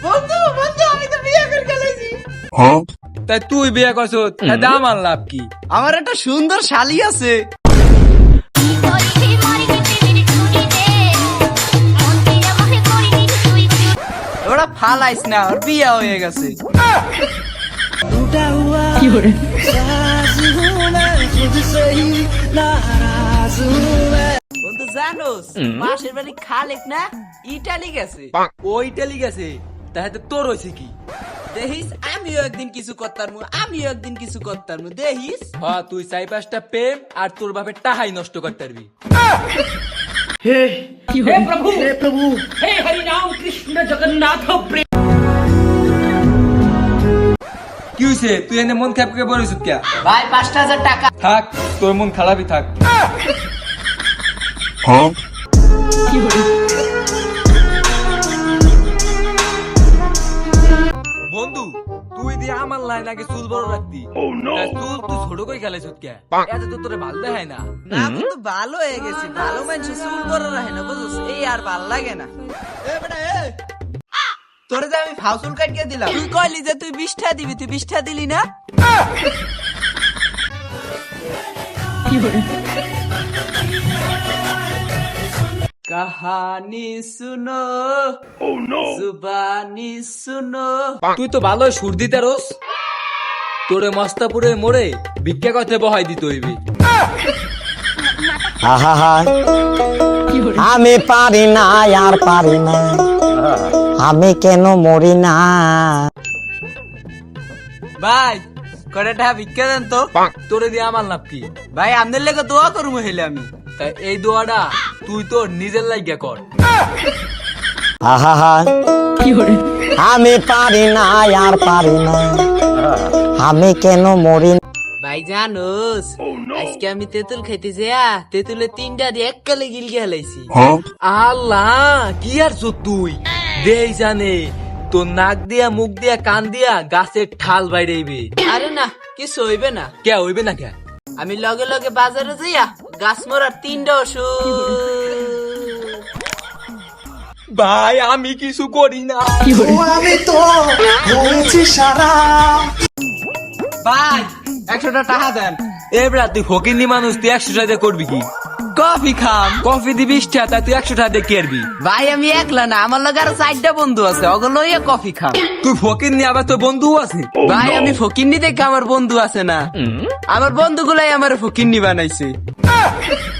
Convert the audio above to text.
বন্ধু বন্ধু আমি তো বিয়ে করে ফেলেছি। তাই তুই বিয়ে করছ, তাই আমার লাভ কি? আমার একটা সুন্দর শালি আছে। ওরা ফালাইস না, ওর বিয়ে হয়ে গেছে। বন্ধু জানোস পাশের বাড়ি খালেক না ইটালি গেছে। ও ইটালি গেছে, তাই তোর হয়েছে কি? দেখিস আমিও একদিন কিছু করতাম দেখিস। হ্যাঁ, তুই 4-5টা প্রেম আর তোর বাপের টাহাই নষ্ট করতে পারবি। কি হয়েছে? তুই এনে মন খারাপ করে বলিস কে? ভাই 5,000 টাকা। থাক, তোর মন খারাপই থাক। বন্ধু, তুই দিয়ে আমার লাইন আগে চুল বড় রাখতি। তা চুল তুই ছোট করে খেলাইছ কে? এত তো তোরে ভালো দেখায় না। না বন্ধু ভালো হয়ে গেছি, ভালো মানুষ চুল বড় রাখে না বুঝছিস, এই আর ভালো লাগে না। তোরে যে আমি ফাউসুল কাটিয়ে দিলাম, তুই কইলি যে তুই 20টা দিবি, তুই 20টা দিলি না। কাহানি শুনো, জুবানি শুনো। তুই তো ভালো সুর দিতে রোস। তোরে মস্তাপুরে মোড়ে ভিক্ষা করতে বহাই দিতে হইবি। আমি পারি না, আর পারি না, আমি কেন মরি না। ভাই কয়টা ভিক্ষা দেন তো। তোরে দিয়ে আমার লাভ কি? ভাই আপনার লেগে দোয়া করবো হেলে আমি। তাই এই দোয়াটা তুই তোর নিজের লাগিয়া কর। আমি পারি না, আর পারি না, আমি কেন মরি না। ভাই জানোস আজকে আমি তেঁতুল খাইতে যা তেঁতুলে 3টা দিয়ে এককালে গিলকে হেলাইছি। আল্লাহ, কি আর তুই দেই জানে তোর নাক দিয়া মুখ দিয়া কান দিয়া গাছের ঠাল বাইরেইবে। আরে না কিছু হইবে না, কে হইবে না কে? আমি লগে লগে বাজারে যাইয়া গাছ মরার 3টা ওষুধ। ভাই আমি কিছু করি না। আমি তো হয়েছি সারা। ভাই 100টা টাকা দেন। এবরা তুই ফকিন্নি মানুষ, তুই 100 টাকা দিয়ে করবি কি? কফি খাম। কফি দিবি 20 টাকা, তুই 100 টাকা দিয়ে কেরবি? ভাই আমি একলা না, আমার লগে আরো 4টা বন্ধু আছে, ওগুলো লইয়া কফি খাম। তুই ফকিন্নি আবার তোর বন্ধু আছে? ভাই আমি ফকিন্নি দেখে আমার বন্ধু আছে না, আমার বন্ধুগুলাই আমার ফকিন্নি বানাইছে।